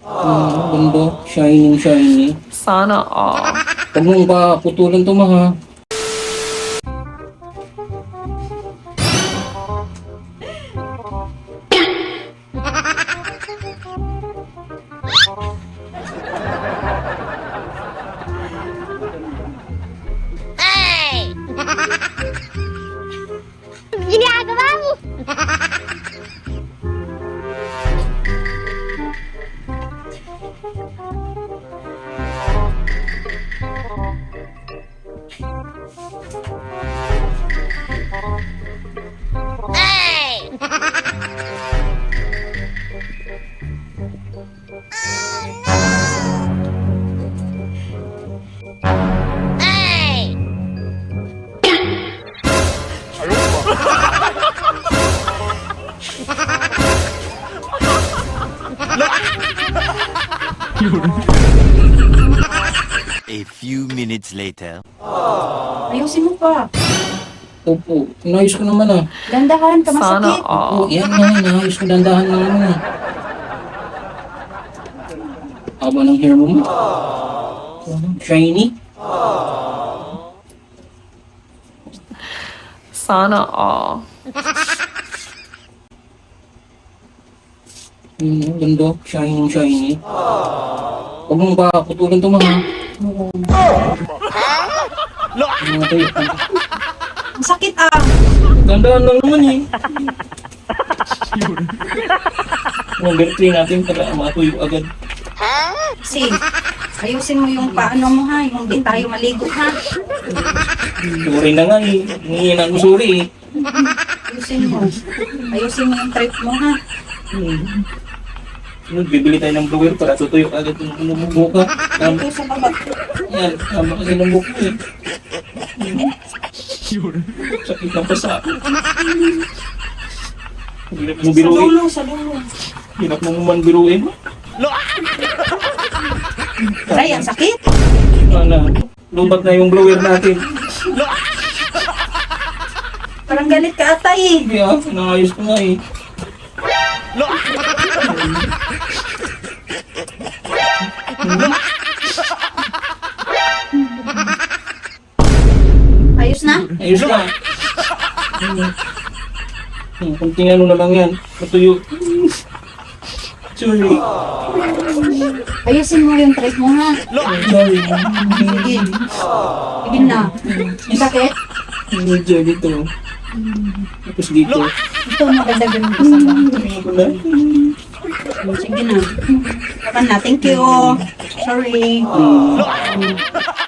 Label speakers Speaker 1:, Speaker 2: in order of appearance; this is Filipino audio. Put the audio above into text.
Speaker 1: Ganda. Shining, shiny.
Speaker 2: Sana all.
Speaker 1: Huwag mong ba putulan to, ma, ha?
Speaker 3: Ginagawa mo!
Speaker 4: A few minutes later.
Speaker 5: Ayusin mo pa.
Speaker 1: Opo, inayos ko naman, ah.
Speaker 5: Dandahan ka,
Speaker 2: Sana
Speaker 5: masakit.
Speaker 1: Oo,
Speaker 2: all.
Speaker 1: yan nga, inayos ko dandahan lang naman, eh. Haba ng hair mo, ma. Shiny.
Speaker 2: Sana all.
Speaker 1: Ganda. Shining, shiny. Huwag mong ba putulan to, ma, ha? Tuyo.
Speaker 5: Ang sakit ah.
Speaker 1: Dandahan lang naman, eh. Number 3 natin para matuyo agad.
Speaker 5: Kasi, ayusin mo yung paano mo ha, yung di tayo maligo ha.
Speaker 1: Sorry na nga, eh. Hingin ako sorry, eh.
Speaker 5: Ayusin mo. Ayusin mo yung trip mo ha.
Speaker 1: Bibili tayo ng blower para tutuyo agad yung buka.
Speaker 5: Ito sa baba.
Speaker 1: Yan, tama kasi ng buka, eh. Sakit na pa sa akin. Hirap mong
Speaker 5: Sa
Speaker 1: biruin.
Speaker 5: dulo, sa dulo.
Speaker 1: Hirap mong man biruin.
Speaker 5: Aray, ang sakit.
Speaker 1: Ano, lubat na yung blower natin.
Speaker 5: Parang galit ka ata eh.
Speaker 1: Kaya, naayos ko nga, eh.
Speaker 5: Ayos na?
Speaker 1: Ayos na. Kunting ano na lang yan. Matuyo. Sorry.
Speaker 5: Ayusin mo yung trip mo ha.
Speaker 1: Sorry.
Speaker 5: Sige. Sige na. Ang sakit?
Speaker 1: Medyo dito. Tapos dito.
Speaker 5: Ito, maganda ganun ka sa baba.
Speaker 1: Tingnan ko na.
Speaker 5: Sige na. Baka na, thank you. Sorry.